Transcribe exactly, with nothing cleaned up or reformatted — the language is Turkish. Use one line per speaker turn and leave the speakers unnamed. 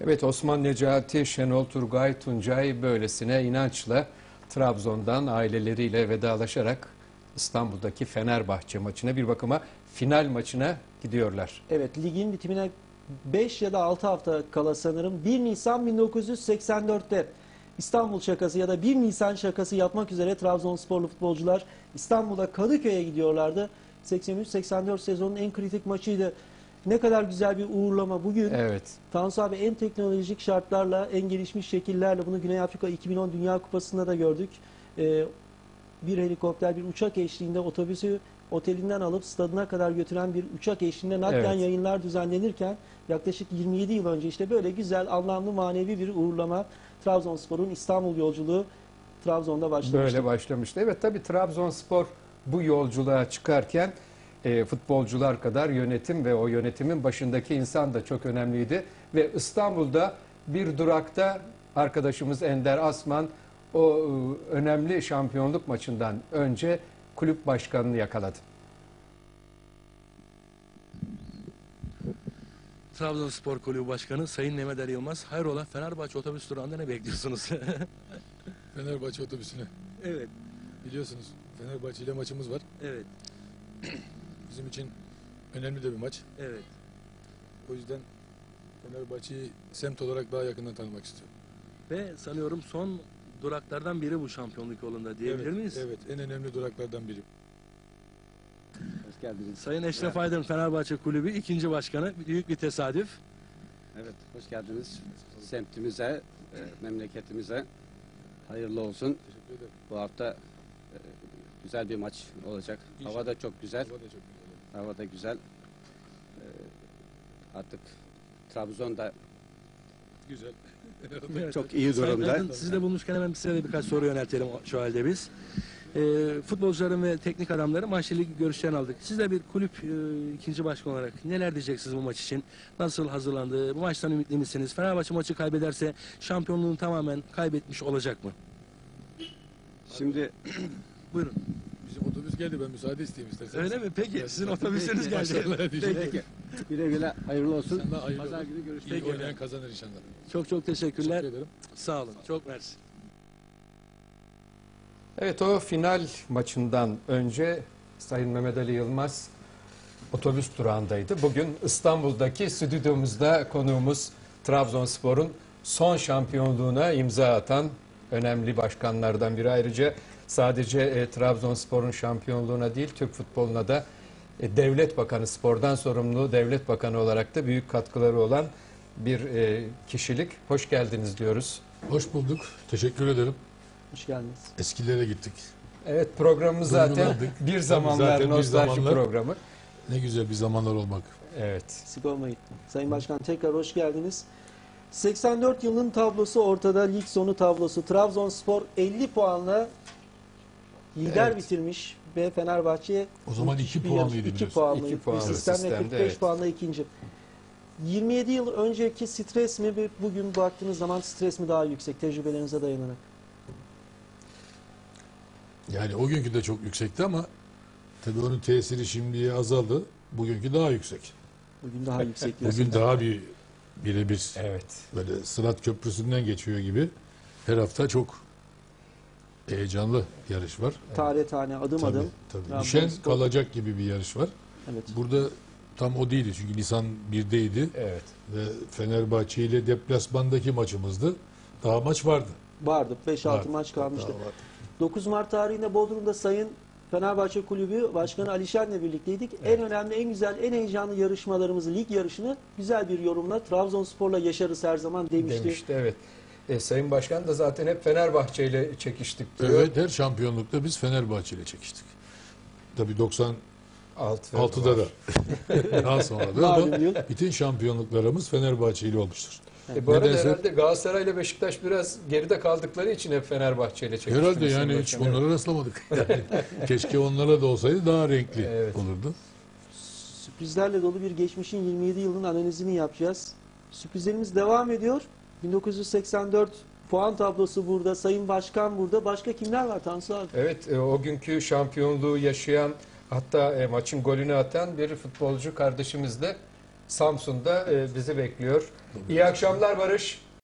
Evet, Osman Necati, Şenol Turgay, Tuncay böylesine inançla Trabzon'dan aileleriyle vedalaşarak İstanbul'daki Fenerbahçe maçına, bir bakıma final maçına gidiyorlar.
Evet, ligin bitimine beş ya da altı hafta kala sanırım bir Nisan bin dokuz yüz seksen dört'te İstanbul şakası ya da bir Nisan şakası yapmak üzere Trabzonsporlu futbolcular İstanbul'da Kadıköy'e gidiyorlardı. seksen üç seksen dört sezonun en kritik maçıydı. Ne kadar güzel bir uğurlama bugün.
Evet.
Tansu abi, en teknolojik şartlarla, en gelişmiş şekillerle bunu Güney Afrika iki bin on Dünya Kupası'nda da gördük. Ee, bir helikopter, bir uçak eşliğinde otobüsü otelinden alıp stadına kadar götüren bir uçak eşliğinde naklen
Evet.
yayınlar düzenlenirken yaklaşık yirmi yedi yıl önce işte böyle güzel, anlamlı, manevi bir uğurlama, Trabzonspor'un İstanbul yolculuğu Trabzon'da başlamıştı.
Böyle başlamıştı. Evet, tabii Trabzonspor bu yolculuğa çıkarken e, futbolcular kadar yönetim ve o yönetimin başındaki insan da çok önemliydi. Ve İstanbul'da bir durakta arkadaşımız Ender Asman o e, önemli şampiyonluk maçından önce kulüp başkanını yakaladı.
Trabzonspor Kulübü Başkanı Sayın Mehmet Ali Yılmaz, hayrola Fenerbahçe otobüs durağında ne bekliyorsunuz?
Fenerbahçe otobüsüne.
Evet,
Biliyorsunuz Fenerbahçe ile maçımız var.
evet,
Bizim için önemli de bir maç.
evet.
O yüzden Fenerbahçe'yi semt olarak daha yakından tanımak istiyorum.
Ve sanıyorum son duraklardan biri bu şampiyonluk yolunda diyebilir
evet,
miyiz?
Evet, en önemli duraklardan biri.
Hoş geldiniz.
Sayın Eşref Aydın, Fenerbahçe Kulübü ikinci başkanı, büyük bir tesadüf.
Evet, hoş geldiniz. Semtimize, e, memleketimize hayırlı olsun.
Teşekkür ederim.
Bu hafta e, güzel bir maç olacak.
İnşallah.
Hava da çok güzel.
Hava da çok güzel.
Hava da güzel. E, artık Trabzon'da
Güzel.
Evet.
çok iyi
Sayın
durumda.
Aydın, sizi de bulmuşken hemen size de birkaç soru yöneltelim şu halde biz. Ee, futbolcuların ve teknik adamların maçla ilgili görüşlerini aldık. Siz de bir kulüp e, ikinci başkan olarak neler diyeceksiniz bu maç için? Nasıl hazırlandı? Bu maçtan ümitli misiniz? Fenerbahçe maçı kaybederse şampiyonluğunu tamamen kaybetmiş olacak mı?
Şimdi
Buyurun.
Bizim otobüs geldi, ben müsaade isteyeyim isterseniz.
Öyle mi? Peki. Sizin otobüsünüz geldi.
Başarılar diyeceğim.
peki, güle güle hayırlı olsun.
Sen de hayırlı
Pazar
olsun.
günü görüşmek
İyi
üzere.
oynayan kazanır inşallah.
Çok çok teşekkürler.
Teşekkür ederim.
Sağ olun. Çok mersi.
Evet, o final maçından önce Sayın Mehmet Ali Yılmaz otobüs durağındaydı. Bugün İstanbul'daki stüdyomuzda konuğumuz Trabzonspor'un son şampiyonluğuna imza atan önemli başkanlardan biri. Ayrıca sadece e, Trabzonspor'un şampiyonluğuna değil, Türk futboluna da e, devlet bakanı, spordan sorumlu devlet bakanı olarak da büyük katkıları olan bir e, kişilik. Hoş geldiniz diyoruz.
Hoş bulduk. Teşekkür ederim.
Hoş geldiniz.
Eskilere gittik.
Evet, programımız zaten
Duygulandık.
bir
Tabii
zamanlar
zaten bir
nostalji
zamanlar.
programı.
Ne güzel bir zamanlar olmak.
Evet.
Eksik olmayın. Sayın Başkan, tekrar hoş geldiniz. seksen dört yılının tablosu ortada, lig sonu tablosu. Trabzonspor elli puanla lider
Evet.
bitirmiş ve Fenerbahçe
O zaman iki
bir
puanlıydı
yarış- iki
biliyorsun.
puanlı
İki
bir
puanlı
sistemle
sistemde,
kırk beş
evet.
puanla ikinci. yirmi yedi yıl önceki stres mi ve bugün baktığınız zaman stres mi daha yüksek, tecrübelerinize dayanarak?
Yani o günkü de çok yüksekti ama tabii onun tesiri şimdiye azaldı. Bugünkü daha yüksek.
Bugün daha yüksek diyorsun.
Bugün daha bir birebir
Evet.
böyle Sırat Köprüsü'nden geçiyor gibi. Her hafta çok heyecanlı yarış var.
Tane tane, adım
Tabii,
adım.
tabii.
Trabzonspor-
Düşen kalacak gibi bir yarış var.
Evet.
Burada tam o değildi çünkü Nisan birdeydi
Evet.
ve Fenerbahçe ile deplasmandaki maçımızdı. Daha maç vardı.
Vardı. beş altı
Vardı.
maç kalmıştı.
Daha vardı.
dokuz Mart tarihinde Bodrum'da Sayın Fenerbahçe Kulübü Başkanı Alişen'le birlikteydik.
Evet.
En önemli, en güzel, en heyecanlı yarışmalarımızı, lig yarışını güzel bir yorumla Trabzonspor'la yaşarız her zaman demişti.
Demişti, evet. E, Sayın Başkan da zaten hep Fenerbahçe ile çekiştik diyor.
Evet, her şampiyonlukta biz Fenerbahçe ile çekiştik. Tabii doksan
Altı
altıda da
var.
daha sonra da
Malum
ama
yıl.
bütün şampiyonluklarımız Fenerbahçe ile olmuştur.
E, bu arada
Nedense-
herhalde Galatasaray ile Beşiktaş biraz geride kaldıkları için hep Fenerbahçe ile çekiştiniz.
Herhalde
Sayın
yani hiç
Başkan.
onlara rastlamadık. Yani keşke onlara da olsaydı daha renkli
Evet.
olurdu.
Sürprizlerle dolu bir geçmişin yirmi yedi yılının analizini yapacağız. Sürprizlerimiz devam ediyor. bin dokuz yüz seksen dört puan tablosu burada, Sayın Başkan burada. Başka kimler var Tansu abi?
Evet, e, o günkü şampiyonluğu yaşayan, hatta e, maçın golünü atan bir futbolcu kardeşimiz de Samsun'da e, bizi bekliyor. İyi akşamlar Barış.